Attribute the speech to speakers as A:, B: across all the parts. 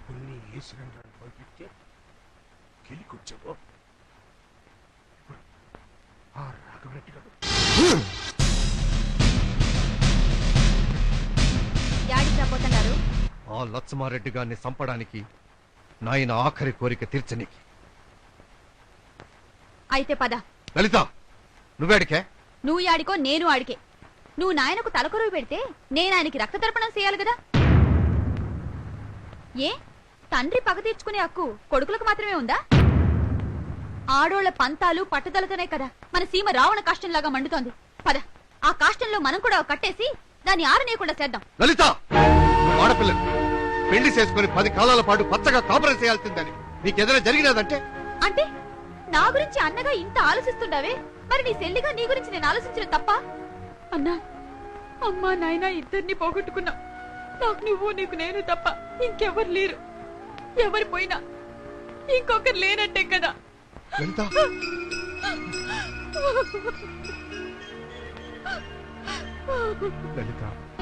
A: కొన్ని వేసిన పంపిస్తే గెలికొచ్చావు ఆ రాఘవరెడ్డి గారు
B: పోతున్నారు.
C: ఆ లచ్చమారెడ్డి గారిని చంపడానికి నాయన ఆఖరి కోరిక తీర్చనికి.
B: అయితే పద.
C: లలిత నువ్వేడికే?
B: నువ్వు ఆడికో నేను ఆడికే. నువ్వు నాయనకు తలకొరువు పెడితే నేను ఆయనకి రక్త తర్పణం చేయాలి కదా. ఏ తండ్రి పగ తీర్చుకునే హక్కు కొడుకులకు మాత్రమే ఉందా? ఆడోళ్ల పంతాలు పట్టుదలతోనే కదా మన సీమ రావణ కాష్టంలాగా మండుతోంది. పద, ఆ కాష్టంలో మనం కూడా కట్టేసి దాన్ని ఆరనీయకుండా చేద్దాం.
C: లలిత, ఆడపిల్లలు పెళ్లి చేసుకుని 10 కాలాల పాటు పచ్చగా కాపురం చేయాల్సిందని నీకేదైనా జరిగినదంటే?
B: అంటే నా గురించి అన్నగా ఇంత ఆలోచిస్తుండవే, మరి నీ చెల్లిగా నీ గురించి నేను ఆలోచించడం తప్ప? అన్నా, అమ్మా నాయన ఇద్దరిని పోగొట్టుకున్నా. నాకు నువ్వు నీకు నేను తప్ప ఇంకెవరు లేరు. ఎవరు పోయినా ఇంకొకరు లేనట్టే కదా.
C: లలిత, లలిత,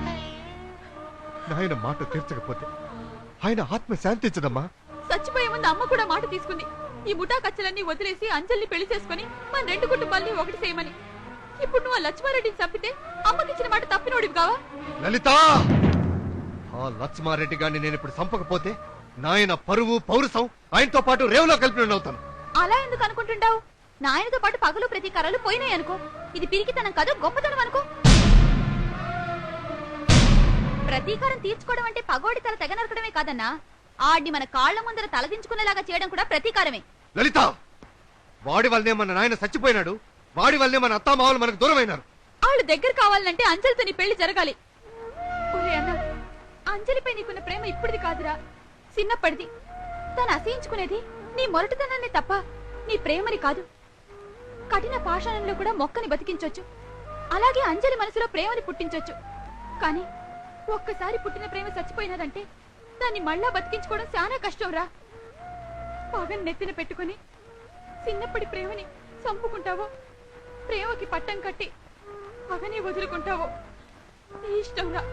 C: నాయన మాట తీర్చకపోతే ఆయన ఆత్మ శాంతించదమ్మా.
B: చచ్చిపోయే ముందు అమ్మ కూడా మాట తీసుకుంది. ఈ ముఠా కచ్చలన్నీ వదిలేసి అంజల్ని పెళ్లి చేసుకుని మన 2 కుటుంబాలని ఒకటి చేయమని. ఇప్పుడు నువ్వు ఆ లక్ష్మారెడ్డిని చంపితే అమ్మకిచ్చిన మాట తప్పినోడివి కావా?
C: లలిత, ఆ లక్ష్మారెడ్డి గారిని నేను ఇప్పుడు చంపకపోతే నాయన పరువు పౌరుషం ఆయనతో పాటు రేవులో కలిపినవుతాను.
B: అలా ఎందుకు అనుకుంటుంటావు? నాయనతో పాటు పగలు ప్రతీకారాలు పోయినాయి అనుకో. ఇది పిరికితనం కాదు, గొప్పతనం అనుకో. ప్రతీకారం తీర్చుకోవడం అంటే పగోడి తల తెగ నరకడమే కాదన్నా, ఆడిని మన కాళ్ల ముందర తలదించుకునేలాగా చేయడం కూడా ప్రతీకారమే.
C: లలిత, వాడి వల్లనే మన నాయన చచ్చిపోయినాడు. వాడి వల్లనే మన అత్తామావలు మనకు దూరమైనారు.
B: వాళ్ళు దగ్గర కావాలంటే అంజలితో నీ పెళ్లి జరగాలి. ఒరే అన్నా, అంజలిపై నీకున్న ప్రేమ ఇప్పుడుది కాదురా, చిన్నప్పటిది. తను అసహించుకునేది నీ మొరటుతనాన్ని తప్ప నీ ప్రేమని కాదు. కఠిన పాషాణంలో కూడా మొక్కని బతికించొచ్చు, అలాగే అంజలి మనసులో ప్రేమని పుట్టించొచ్చు. కానీ ఒక్కసారి పుట్టిన ప్రేమ చచ్చిపోయినదంటే దాన్ని మళ్ళా బతికించుకోవడం చాలా కష్టం రా. పగని నెత్తిన పెట్టుకుని చిన్నప్పటి ప్రేమని చంపుకుంటావో, ప్రేమకి పట్టం కట్టి పగని వదులుకుంటావో నీ ఇష్టం రా.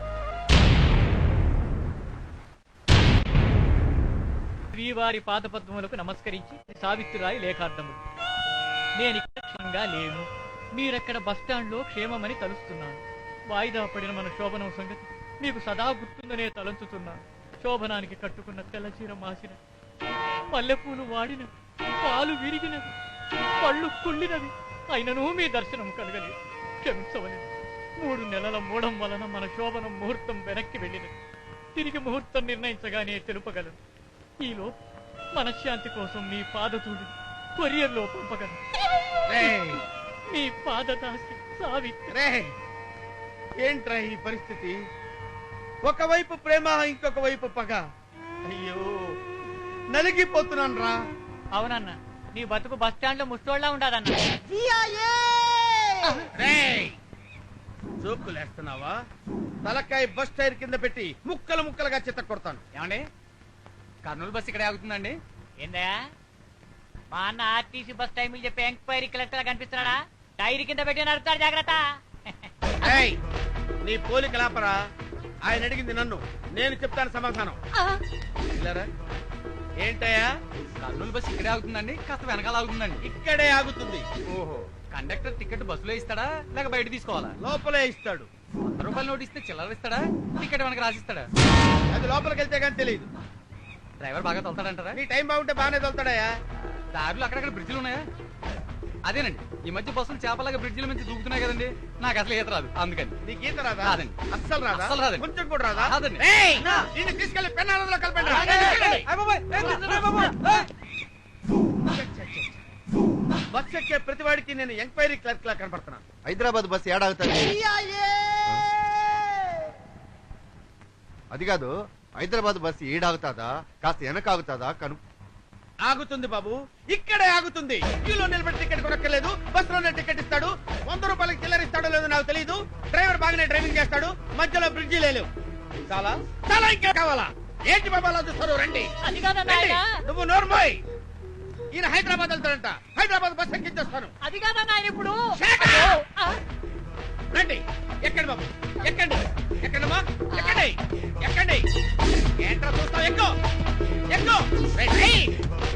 D: శ్రీవారి పాదపద్మములకు నమస్కరించి సావిత్రిరాయి లేఖార్థములు. నేనిక్కడ క్షేమంగా లేను. మీరెక్కడ బస్టాండ్లో క్షేమమని తలుస్తున్నాను. వాయిదా పడిన మన శోభనం సంగతి మీకు సదా గుర్తుందనే తలంచుతున్నాను. శోభనానికి కట్టుకున్న తెల్లచీర మాసిన, పల్లెపూలు వాడిన, పాలు విరిగినవి, పళ్ళు కుళ్ళినవి, అయినను మీ దర్శనం కలగలేదు. క్షమించవలేదు. 3 నెలల మూడం వలన మన శోభనం ముహూర్తం వెనక్కి వెళ్ళినది. తిరిగి ముహూర్తం నిర్ణయించగానే తెలుపగలను. ఈలో మనశ్శాంతి కోసం మీ పాదతూడి కొరియర్లో పంపగలను. మీ పాదదాసి సావిత్రి.
A: ఏంట్రా ఈ పరిస్థితి? ఒకవైపు ప్రేమ, ఇంకొక వైపు పగ. అయ్యో, నలిగిపోతున్నాను రా.
D: అవునన్న, నీ బతుకు బస్టాండ్ లో ముష్టోళ్ళ ఉండదన్న.
A: జోకులేస్తున్నావా? తలకాయ బస్ టైర్ కింద పెట్టి ముక్కలు ముక్కలుగా చిత్త కొడతాను.
E: ఏమండి, కర్నూలు బస్ ఇక్కడ ఆగుతుందండి.
D: ఏందా మా అన్న ఆర్టీసీ బస్ టైం చెప్పి ఎంక్వైరీ కలెక్టర్ కనిపిస్తున్నాడా? టైర్ కింద పెట్టి నడుపుతాడు, జాగ్రత్త.
A: నీ పోలిక లాపరా. ఆయన అడిగింది నన్ను, నేను చెప్తాను సమాధానం. ఏంటయ్యా?
E: కర్నూలు బస్ ఇక్కడే ఆగుతుందండి, కాస్త వెనకాల ఆగుతుందండి.
A: ఇక్కడే ఆగుతుంది.
E: ఓహో, కండక్టర్ టికెట్ బస్సులో ఇస్తాడా లేక బయట తీసుకోవాలా?
A: లోపలే ఇస్తాడు.
E: 100 రూపాయలు నోటు ఇస్తే చిల్లర ఇస్తాడా, టికెట్ వెనక రాసిస్తాడా?
A: అది లోపలికి వెళ్తే కానీ తెలియదు.
E: డ్రైవర్ బాగా తోలుతాడంటారా?
A: నీ టైం బాగుంటే బాగానే తోలుతాడయా.
E: దారిలో అక్కడక్కడ బ్రిడ్జిలు ఉన్నాయా? అదేనండి, ఈ మధ్య బస్సులు చేపలాగా బ్రిడ్జిల నుంచి దూకుతున్నాయి కదండి. నాకు అసలు ఈత రాదు, అందుకని.
A: నీకు ఈత రాదా?
E: రాదండి.
A: అస్సలు రాదా?
E: అస్సలు రాదండి.
A: కొంచెం కూడా రాదా?
E: రాదండి.
A: నిన్ను తీసుకెళ్లి పెన్నాలలో కలపండి. బస్ ఎక్కే ప్రతివాడికి నేను ఎంక్వైరీ క్లర్క్ లా కనపడుతున్నాను.
C: హైదరాబాద్ బస్సు ఏడాగుతుంది? అది కాదు, హైదరాబాద్ బస్సు ఏడాగుతాదా కాస్త వెనక ఆగుతాదా కను?
A: ఆగుతుంది బాబు, ఇక్కడే ఆగుతుంది. క్యూలో నిలబడి టికెట్ కొనక్కర్లేదు. బస్సులోనే టికెట్ ఇస్తాడు. 100 రూపాయలకి చిల్లర ఇస్తాడో లేదో నాకు తెలియదు. డ్రైవర్ బాగానే డ్రైవింగ్ చేస్తాడు. మధ్యలో బ్రిడ్జి లేదు. చాలా చాలా ఇంకా కావాలా? ఏంటి బాబా అలా చూస్తారు? రండి. నువ్వు నోర్మోయ్. ఈయన హైదరాబాద్ వెళ్తాడంట. హైదరాబాద్ బస్ ఎక్కించేస్తాను.
D: అది కాదన్న ఆయన ఇప్పుడు.
A: రండి, ఎక్కండి బాబు, ఎక్కండి. ఎక్కండమ్మా, ఎక్కండి, ఎక్కండి. ఏంట్రా చూస్తావు? ఎక్కువ ఎక్కు. రేయ్.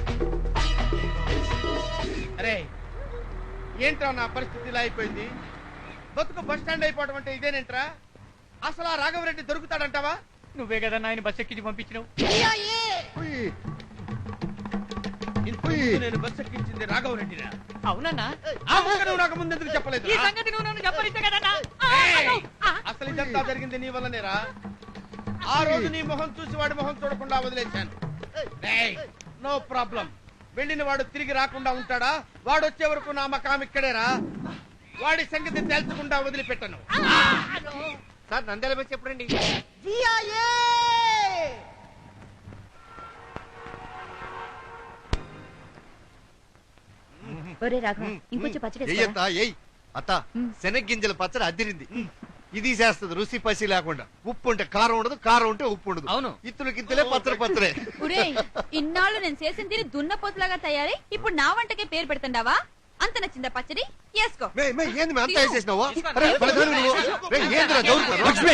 A: అరే ఏంట్రా నా పరిస్థితి ఇలా అయిపోయింది? బతుకు బస్ స్టాండ్ అయిపోవడం అంటే ఇదేనేంట్రా? అసలు ఆ రాఘవరెడ్డి దొరుకుతాడంటావా?
D: నువ్వే కదా ఆయన బస్ ఎక్కించి పంపించినావు.
C: ఉయ్.
A: ఇంతకు నేను బస్ ఎక్కించింది రాఘవరెడ్డిరా.
D: అవునన్నా?
A: ఆ ముక్క నువ్వు నాకు ముందెందుకు చెప్పలేదు?
D: ఈ సంగతి నువ్వు నన్ను చెప్పరిస్తే కదన్నా.
A: అసలు ఇదంతా జరిగింది నీ వల్లనేరా. ఆ రోజు నీ మొహం చూసి వాడి మొహం చూడకుండా వదిలేశాను. No problem. వెళ్ళిన వాడు తిరిగి రాకుండా ఉంటాడా? వాడు వచ్చే వరకు నా మకాం ఇక్కడేరా. వాడి సంగతి తేల్చకుండా వదిలిపెట్టను.
C: సార్ నంద్యాల బస్ ఎప్పుడండి?
B: ఒరే రాఘవ ఇంకొంచెం పచ్చడి
C: ఎయ్యత్తా ఎయ్ అత్త శనగ్గింజల పచ్చడి అదిరింది. ఇది చేస్తుంది రుచి పసి లేకుండా. ఉప్పు ఉంటే కారం ఉండదు, కారం ఉంటే ఉప్పు ఉండదు.
E: అవును.
C: ఇత్తులు కింతలే పచ్చడి పచ్చడే.
B: ఒరే ఇన్నాళ్ళు నేను చేసిన తిని దున్నపోతులాగా తయారై ఇప్పుడు నా వంటకే పేరు పెడుతుండావా? అంత నచ్చిందా పచ్చడి? వేసుకో.
C: ఏంది మే అంత వేసేసినావు? అరే, పలదారు నువ్వు. రేయ్, ఏందిరా దౌర్జన్యం? లక్ష్మి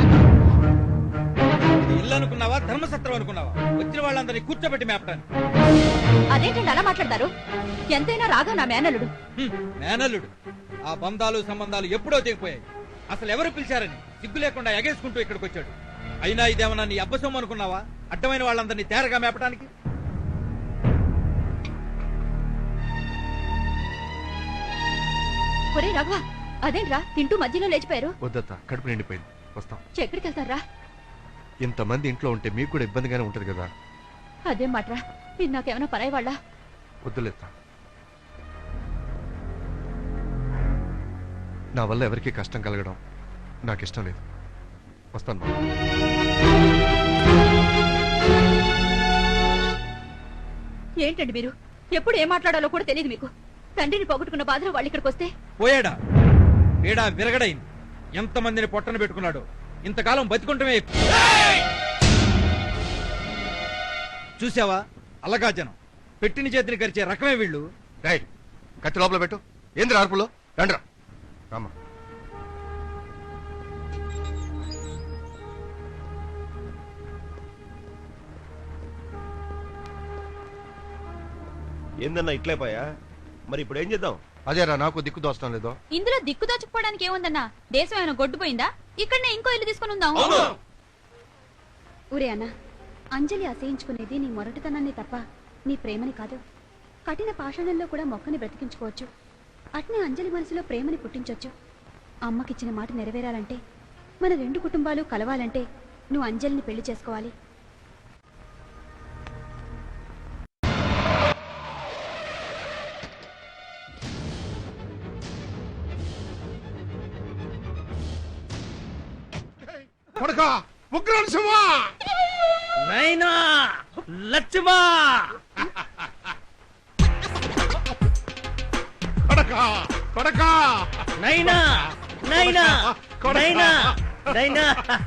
A: ఇల్లు అనుకున్నావా, ధర్మసత్రం అనుకున్నావా? వచ్చిన వాళ్ళందరినీ కూర్చోబెట్టి మేపటానికి.
B: అదేంటండి అలా మాట్లాడతారు? ఎంతైనా రాఘవ నా మేనల్లుడు.
A: మేనల్లుడు. ఆ బంధాలు సంబంధాలు ఎప్పుడో తెగిపోయాయి. అసలు ఎవరు పిలిచారని సిగ్గు లేకుండా ఎగేసుకుంటూ ఇక్కడికి వచ్చాడు. అయినా ఇదేమన్నా నీ అబ్బసొమ్ము అనుకున్నావా? అడ్డమైన వాళ్ళందరినీ తేరగా మేపటానికి.
B: ఒరే రాఘవ అదేంట్రా తింటూ మధ్యలో లేచిపోయారు?
C: వద్దత్త, కడుపు నిండిపోయింది. వస్తాం.
B: ఎక్కడికి వెళ్తారా?
C: ఇంతమంది ఇంట్లో ఉంటే మీకు కూడా ఇబ్బందిగానే ఉంటది కదా.
B: అదేం మాట్రా, మీరు నాకేమైనా పరాయి వాళ్ళ?
C: వద్దులేత్త. నా వల్ల ఎవరికీ కష్టం కలగడం నాకు ఇష్టం లేదు. వస్తాను బాబు.
B: ఏంటండి మీరు ఎప్పుడు ఏం మాట్లాడాలో కూడా తెలియదు మీకు. తండ్రిని పోగొట్టుకున్న బాధలో వాళ్ళు ఇక్కడికి వస్తే
A: పోయాడా? ఏడా విరగడైంది. ఎంతమందిని పొట్టన పెట్టుకున్నాడు. ఇంతకాలం బతికుంటమే ఎక్కువ. చూసావా అలగా జనం పెట్టిన చేతిని కరిచే రకమే వీళ్ళు.
C: రేయ్, కత్తి లోపల పెట్టు. ఏంది అరుపులో? రండ్రా రామా.
F: ఏందన్నా ఇట్లైపోయా? మరి ఇప్పుడు ఏం చేద్దాం?
C: అదేరా నాకు దిక్కు దోచడం లేదో.
B: ఇందులో దిక్కు దాచుకోవడానికి ఏముందన్నా? దేశం ఏమైనా గొడ్డుపోయిందా? ఇక్కడనే ఇంకో ఇల్లు తీసుకుని ఉందాం. ఊరే అన్న, అంజలి అసహించుకునేది నీ మొరటితనాన్ని తప్ప నీ ప్రేమని కాదు. కఠిన పాషాణంలో కూడా మొక్కని బ్రతికించుకోవచ్చు. అట్నే అంజలి మనసులో ప్రేమని పుట్టించొచ్చు. అమ్మకిచ్చిన మాట నెరవేరాలంటే, మన రెండు కుటుంబాలు కలవాలంటే నువ్వు అంజలిని పెళ్లి చేసుకోవాలి.
F: కొడకా ఉగ్రనరసింహా!
A: నైనా లక్ష్మా!
F: కొడకా కొడకా!
A: నైనా నైనా నైనా నైనా!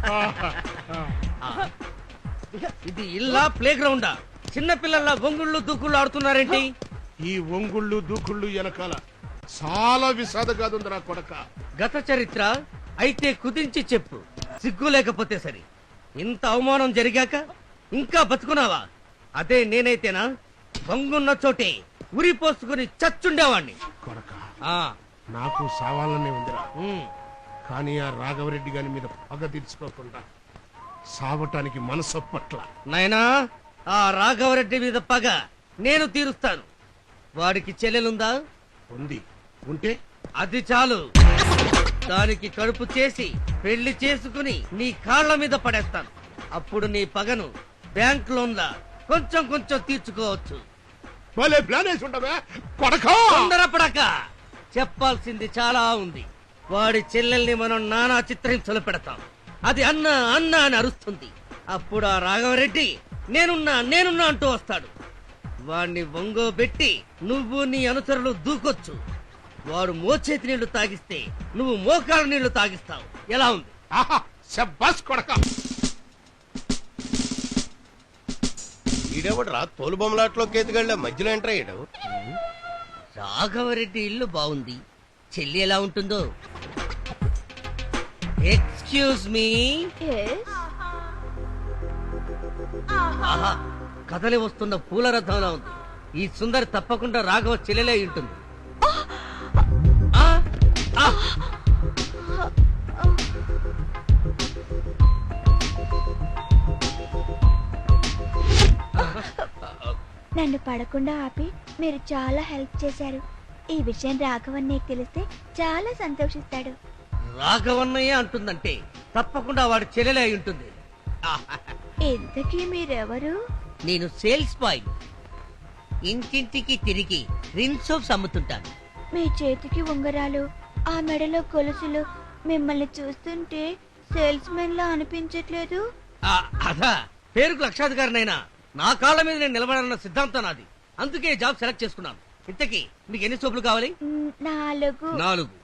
A: ఇది ఇల్లా ప్లే గ్రౌండా? చిన్న పిల్లల వంగుళ్ళు దూకుళ్ళు ఆడుతున్నారేంటి?
F: ఈ ఒంగుళ్ళు దూకుళ్ళు వెనకాల చాలా విషాదగాదుందిరా కొడక.
G: గత చరిత్ర అయితే కుదించి చెప్పు. సిగ్గు లేకపోతే సరి. ఇంత అవమానం జరిగాక ఇంకా బతుకున్నావా? అదే నేనైతేనా వంగున్న చోటే ఉరి పోసుకుని చచ్చుండేవాణ్ణి.
F: కొడక
G: ఆ,
F: నాకు సావాలనే ఉందిరా.
G: ఉమ్,
F: కానీ ఆ రాఘవరెడ్డి గారి మీద పగ తీర్చుకోకుండా సావటానికి మనసు పట్ల.
G: నాయనా, ఆ రాఘవరెడ్డి మీద పగ నేను తీరుస్తాను. వాడికి చెల్లెలుందా?
F: ఉంది. ఉంటే
G: అది చాలు. దానికి కడుపు చేసి పెళ్లి చేసుకుని నీ కాళ్ళ మీద పడేస్తాను. అప్పుడు నీ పగను బ్యాంక్ లోన్లా కొంచెం కొంచెం తీర్చుకోవచ్చు.
F: భలే ప్లాన్ వేసి ఉండవే కొడకా!
G: తొందరపడక, చెప్పాల్సింది చాలా ఉంది. వాడి చెల్లెల్ని మనం నానా చిత్రహింసలు పెడతాం. అది అన్న అన్న అని అరుస్తుంది. అప్పుడు ఆ రాఘవరెడ్డి నేనున్నా అంటూ వస్తాడు. వాణ్ణి వంగోబెట్టి నువ్వు నీ అనుచరులు దూకొచ్చు. వాడు మోచేతి నీళ్లు తాగిస్తే నువ్వు మోకాళ్ళ నీళ్లు తాగిస్తావు. ఎలా ఉంది?
F: ఆహా, శబ్బాస్ కొడక!
H: ఈడేవడరా తోలు బొమ్మలాట్లో కేతుగళ్ళ మధ్యలో ఎంటర్ అయ్యాడు.
G: రాఘవరెడ్డి ఇల్లు బాగుంది. చెల్లి ఎలా ఉంటుందో? Excuse me. ఆహా, కదలి వస్తున్న పూల రథంలా ఉంది. ఈ సుందరి తప్పకుండా రాఘవ చెల్లెలే ఉంటుంది. ఆ! ఆ!
I: నన్ను పడకుండా ఆపి మీరు చాలా హెల్ప్ చేశారు. ఈ విషయం రాఘవన్నయ్యకి తెలిస్తే చాలా సంతోషిస్తాడు.
G: రాఘవన్నయ్య అంటుందంటే తప్పకుండా వాడి చెల్లెలే అయి ఉంటుంది.
I: ఇంతకీ మీరెవరు?
G: నేను సేల్స్ బాయ్. ఇంటింటికి తిరిగి రిన్ సోప్స్ అమ్ముతుంటాను.
I: మీ చేతికి ఉంగరాలు, ఆ మెడలో గొలుసులు మిమ్మల్ని చూస్తుంటే సేల్స్ మెన్ లా అనిపించట్లేదు.
G: అదా పేరుకు లక్షాధికారినైనా నా కాళ్ళ మీద నేను నిలబడాలన్న సిద్ధాంతం నాది. అందుకే జాబ్ సెలెక్ట్ చేసుకున్నాను. ఇంతకీ మీకు ఎన్ని సోపులు కావాలి?
I: 4.
G: 4.